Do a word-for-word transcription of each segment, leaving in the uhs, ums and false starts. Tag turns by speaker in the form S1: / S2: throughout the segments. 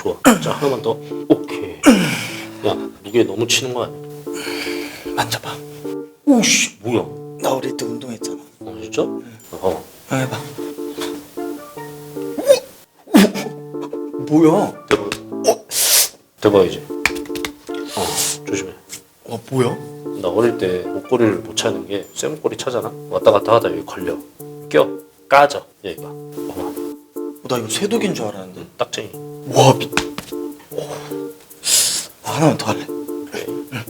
S1: 좋아. 자, 하나만 더. 오케이. 야, 무게 너무 치는 거 아니야?
S2: 만져봐.
S1: 오씨, 뭐야?
S2: 나 어릴 때 운동했잖아.
S1: 어, 진짜? 응. 어.
S2: 형 해봐. 뭐야?
S1: 대박. 어? 대박이지? 어, 조심해.
S2: 와 뭐야?
S1: 나 어릴 때 목걸이를 못 차는 게 쇠목걸이 차잖아? 왔다 갔다 하다 여기 걸려. 껴. 까져. 여기가. 봐봐.
S2: 어, 나 이거 쇠독인 줄 알았는데.
S1: 딱쟁이.
S2: 와 미. 오. 아, 하나만 더 할래.
S1: 그래.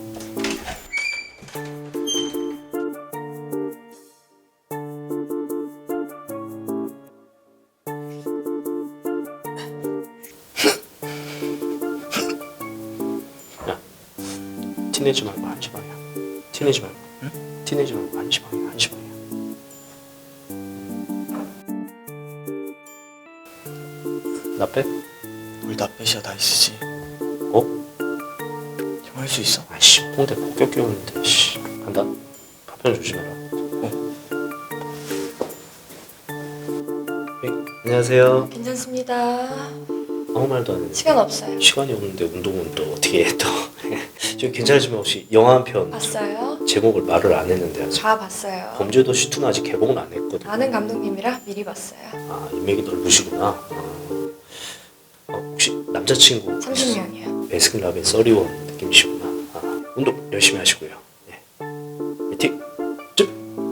S1: 야, 티내지 말고 한시 방이야. 티내지 말고. 응? 티내지 말고 한시 방이야. 한시 방이야. 나 빼?
S2: 뭘 나 빼셔 다 있으지.
S1: 어?
S2: 형 할 수 있어?
S1: 아이씨, 홍대 폭격 끼우는데. 씨, 간다. 파편 조심해라.
S2: 어.
S1: 네, 안녕하세요.
S3: 괜찮습니다.
S1: 아무 말도 안 했는데.
S3: 시간 없어요.
S1: 시간이 없는데 운동은 또 어떻게 해 또. 저 괜찮으시면 혹시 영화 한 편
S3: 봤어요?
S1: 제목을 말을 안 했는데 아직.
S3: 다 봤어요.
S1: 범죄도시 이는 아직 개봉은 안 했거든.
S3: 아는 감독님이라 미리 봤어요.
S1: 아, 인맥이 넓으시구나. 어. 어, 혹시 남자친구
S3: 삼십 명이요.
S1: 베스킨라빈 서리원 느낌이시구나. 아, 운동 열심히 하시고요. 네. 화이팅! 쭉!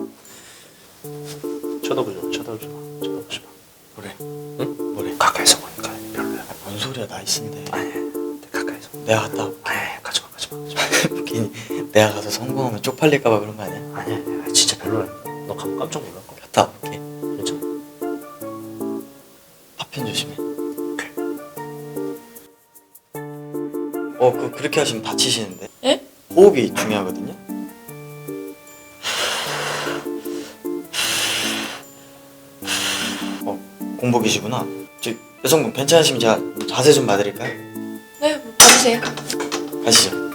S1: 쳐다보지 마, 쳐다보지 마, 쳐다보지 마.
S2: 뭐래?
S1: 응?
S2: 뭐래?
S1: 가까이서 보니까 별로야.
S2: 뭔 소리야 나이스인데.
S1: 아니, 가까이서.
S2: 내가 갔다 올게.
S1: 아니, 가지마, 가지마, 가지마.
S2: 괜히 내가 가서 성공하면 쪽팔릴까봐 그런 거 아니야?
S1: 아니, 아니, 진짜 별로라니까. 너 가면 깜짝 놀랄 거야.
S2: 갔다 올게.
S1: 괜찮아?
S2: 파편 조심해.
S1: 오케이.
S2: 어, 그 그렇게 하시면 다치시는데.
S3: 예?
S2: 호흡이 중요하거든요. 어, 공복이시구나. 저 여성분 괜찮으시면 제가 자세 좀 봐드릴까요?
S3: 네, 뭐 봐주세요.
S2: 가시죠.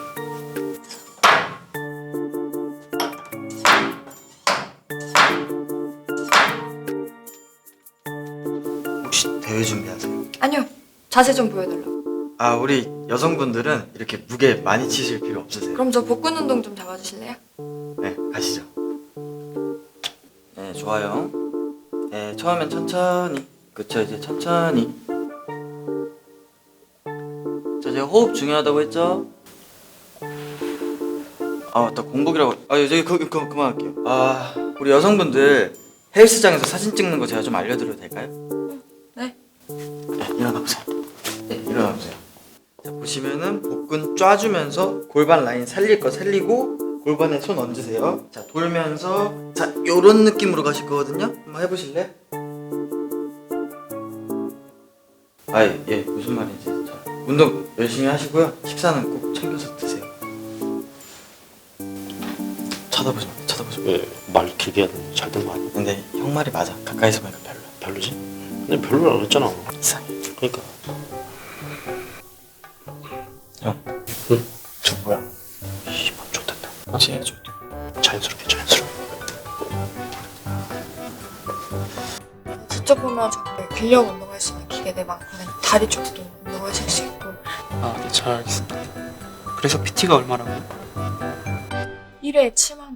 S2: 혹시 대회 준비하세요?
S3: 아니요, 자세 좀 보여달라고.
S2: 아, 우리 여성분들은 이렇게 무게 많이 치실 필요 없으세요.
S3: 그럼 저 복근 운동 좀 잡아주실래요?
S2: 네, 가시죠. 네, 좋아요. 네, 처음엔 천천히. 그쵸, 이제 천천히. 자, 제가 호흡 중요하다고 했죠? 아, 맞다. 공복이라고. 아, 저기 그, 그, 그, 그만할게요. 아, 우리 여성분들 헬스장에서 사진 찍는 거 제가 좀 알려드려도 될까요?
S3: 네.
S2: 네, 일어나보세요. 네, 일어나보세요. 자, 보시면은 복근 쫙주면서 골반 라인 살릴 거 살리고 골반에 손 얹으세요. 자, 돌면서 자, 요런 느낌으로 가실 거거든요. 한번 해보실래요? 아, 예, 무슨 말인지. 자, 운동 열심히 하시고요. 식사는 꼭 챙겨서 드세요. 쳐다보지 마, 쳐다보지 마.
S1: 왜 말 길게 해야 되는 잘 된 거 아니야?
S2: 근데 형 말이 맞아. 가까이서 보니까 별로야.
S1: 별로지? 근데 별로라고 했잖아.
S2: 이상해.
S1: 그러니까.
S2: 형,
S1: 응?
S2: 저 뭐야?
S1: 씨발, 좋겠다.
S2: 같이 해줘.
S1: 자연스럽게, 자연스럽게.
S3: 저쪽 보면 저기 근력 운동할 수 있는 기계들 많거든요. 다리 쪽도 운동하실 수 있고.
S4: 아, 네, 잘 알겠습니다. 그래서 피티가 얼마라고요?
S3: 일 회에 칠만 원.